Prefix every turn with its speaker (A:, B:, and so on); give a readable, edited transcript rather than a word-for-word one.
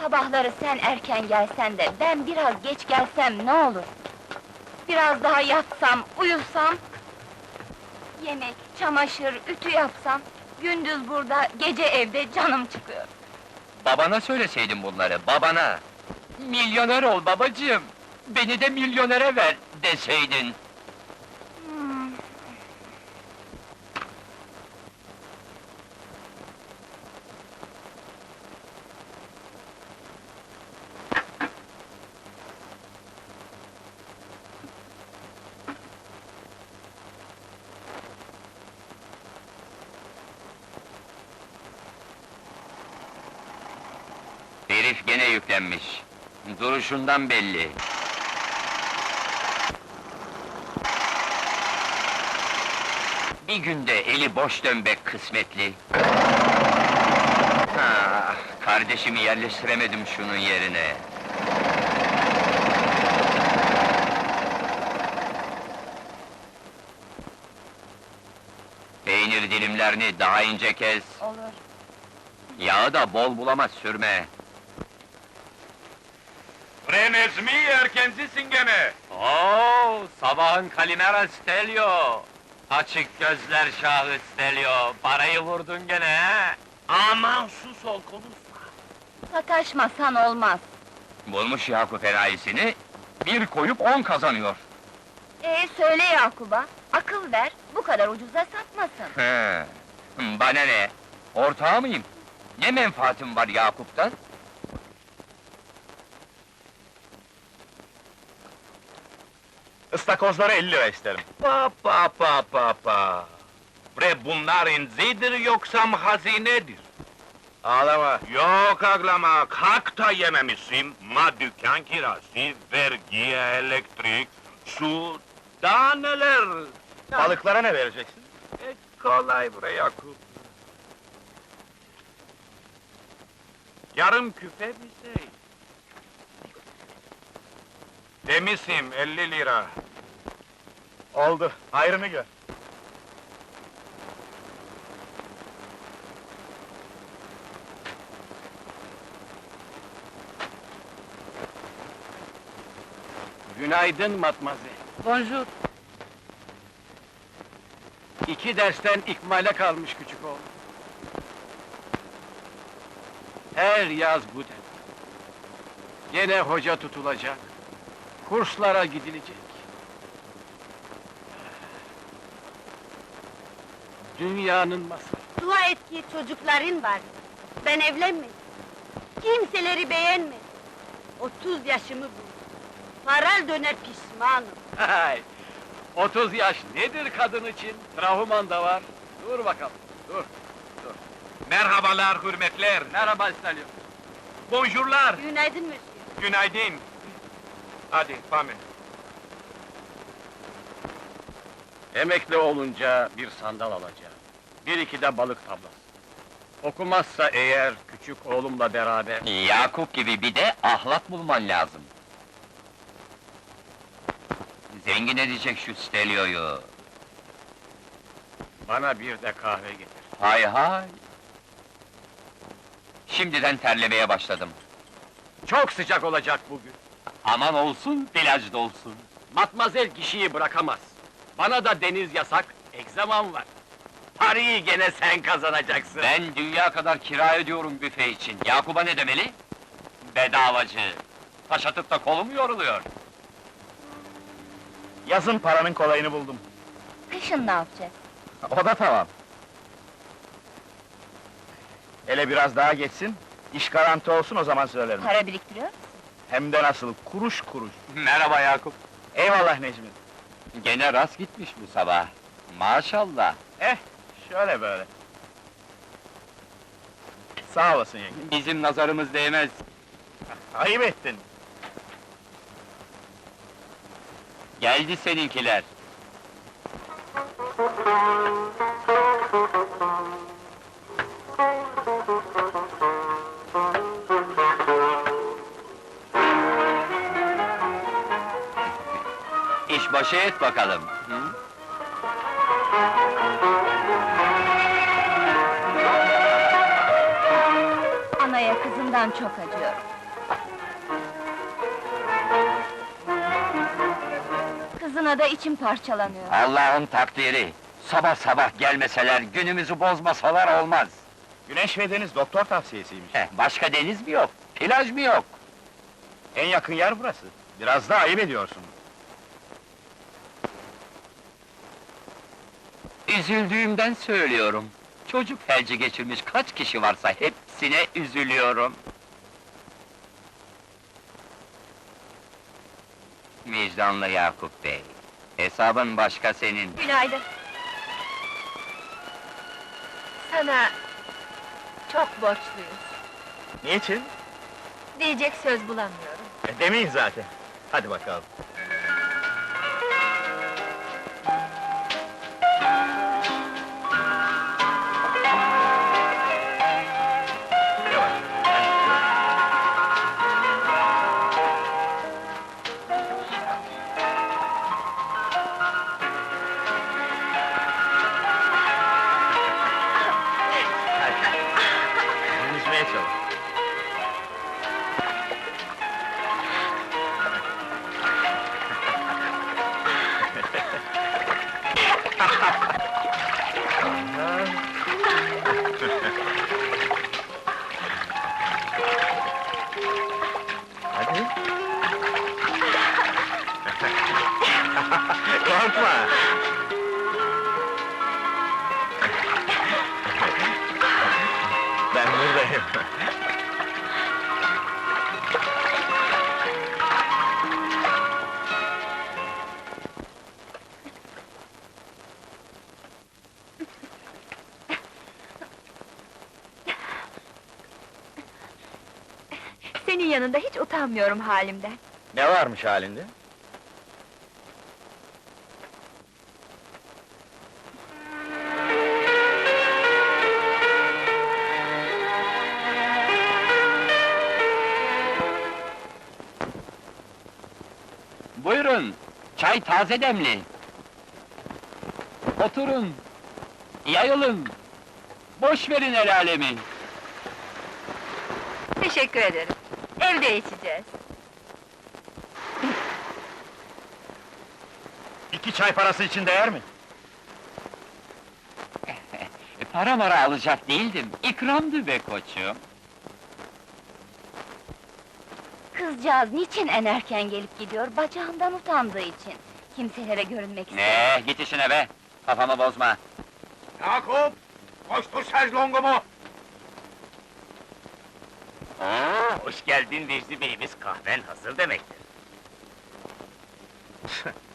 A: Sabahları sen erken gelsen de, ben biraz geç gelsem ne olur? Biraz daha yatsam, uyusam... Yemek, çamaşır, ütü yapsam... Gündüz burada, gece evde canım çıkıyor.
B: Babana söyleseydin bunları, babana! Milyoner ol babacığım! Beni de milyonere ver deseydin!
A: Hmm.
B: Herif gene yüklenmiş. Duruşundan belli. Bir günde eli boş dönmek kısmetli. Ah, kardeşimi yerleştiremedim şunun yerine. Peynir dilimlerini daha ince kes.
A: Olur.
B: Yağı da bol bulama sürme.
C: Renezmi erkencisin gene!
B: Oo, sabahın Kalimera Stelio! Açık gözler şahı Stelio, parayı vurdun gene he!
C: Aman sus ol, konuşma!
A: Sataşmasan olmaz.
B: Bulmuş Yakup enayisini, bir koyup 10 kazanıyor.
A: Söyle Yakup'a, akıl ver, bu kadar ucuza satmasın.
B: He, bana ne? Ortağı mıyım? Ne menfaatim var Yakup'tan?
C: Istakozları 50 lira isterim. Pa. Bre bunlar inzidir yoksa hazinedir? Ağlama. Yok ağlama, kalk da yememişsin. Ma dükkan kirası, vergi, elektrik, su, daha neler?
D: Balıklara ne vereceksin?
C: Kolay bre Yakup. Yarım küfe bir şey. Demişim 50 lira.
D: Oldu, hayrını gör.
E: Günaydın matmazel.
A: Bonjour.
E: 2 dersten ikmale kalmış küçük oğlum. Her yaz bu dem. Gene hoca tutulacak. Kurslara gidilecek. Dünyanın masalı.
F: Dua et ki çocukların var. Ben evlenmedim. Kimseleri beğenmedim. 30 yaşımı buldum. Paral döner pişmanım.
E: Hay! 30 yaş nedir kadın için? Trahuman da var. Dur bakalım, dur.
C: Merhabalar, hürmetler.
E: Merhaba İstalyon.
C: Bonjourlar.
F: Günaydın Mösyö.
C: Günaydın. Hadi, Pami.
E: Emekli olunca bir sandal alacağım. 1-2 de balık tablası. Okumazsa eğer küçük oğlumla beraber...
B: Yakup gibi bir de ahlak bulman lazım. Zengin edecek şu Stelio'yu.
E: Bana bir de kahve getir.
B: Hay hay! Şimdiden terlemeye başladım.
E: Çok sıcak olacak bugün.
B: Aman olsun, plajda olsun.
E: Matmazel kişiyi bırakamaz. Bana da deniz yasak, egzamam var. Parayı gene sen kazanacaksın.
B: Ben dünya kadar kira ödüyorum büfe için. Yakup'a ne demeli? Bedavacı! Taş atıp da kolum yoruluyor.
D: Yazın paranın kolayını buldum.
A: Kışın ne yapacağız?
D: O da tamam. Hele biraz daha geçsin, iş garanti olsun o zaman söylerim.
A: Para biriktiriyor musun?
D: Hem de nasıl, kuruş kuruş.
B: Merhaba Yakup.
D: Eyvallah Necmi.
B: Gene rast gitmiş bu sabah. Maşallah.
D: Şöyle böyle. Sağ olasın yenge.
B: Bizim nazarımız değmez.
D: Ayıp ettin.
B: Geldi seninkiler. İşbaşı et bakalım. Hı?
A: Anaya kızından İnan çok acıyorum. Kızına da içim parçalanıyor.
B: Allah'ın takdiri. Sabah sabah gelmeseler, günümüzü bozmasalar olmaz.
D: Güneş ve deniz doktor tavsiyesiymiş.
B: Başka deniz mi yok? Plaj mı yok?
D: En yakın yer burası. Biraz da ayıp ediyorsun.
B: Üzüldüğümden söylüyorum. Çocuk felci geçirmiş kaç kişi varsa hepsine üzülüyorum. Vicdanlı Yakup Bey, hesabın başka senin.
A: Günaydın. Sana çok borçluyuz.
D: Niçin?
A: Diyecek söz bulamıyorum.
D: Demeyin zaten. Hadi bakalım. Yavaş. Hadi. Yüzmeye çalış. Hadi. Korkma. Ben buradayım.
A: Senin yanında hiç utanmıyorum halimden.
D: Ne varmış halinde?
B: Buyurun, çay taze demli. Oturun, yayılın. Boş verin el alemi.
A: Teşekkür ederim. Evde içeceğiz.
D: 2 çay parası için değer mi?
B: Para mara alacak değildim, ikramdı be koçum.
A: Kızcağız niçin en erken gelip gidiyor? Bacağından utandığı için. Kimselere görünmek istemiyor.
B: Git işine be, kafamı bozma.
C: Yakup! Koştur şezlongumu!
E: Hoş geldin Vecdi Beyimiz, kahven hazır demektir.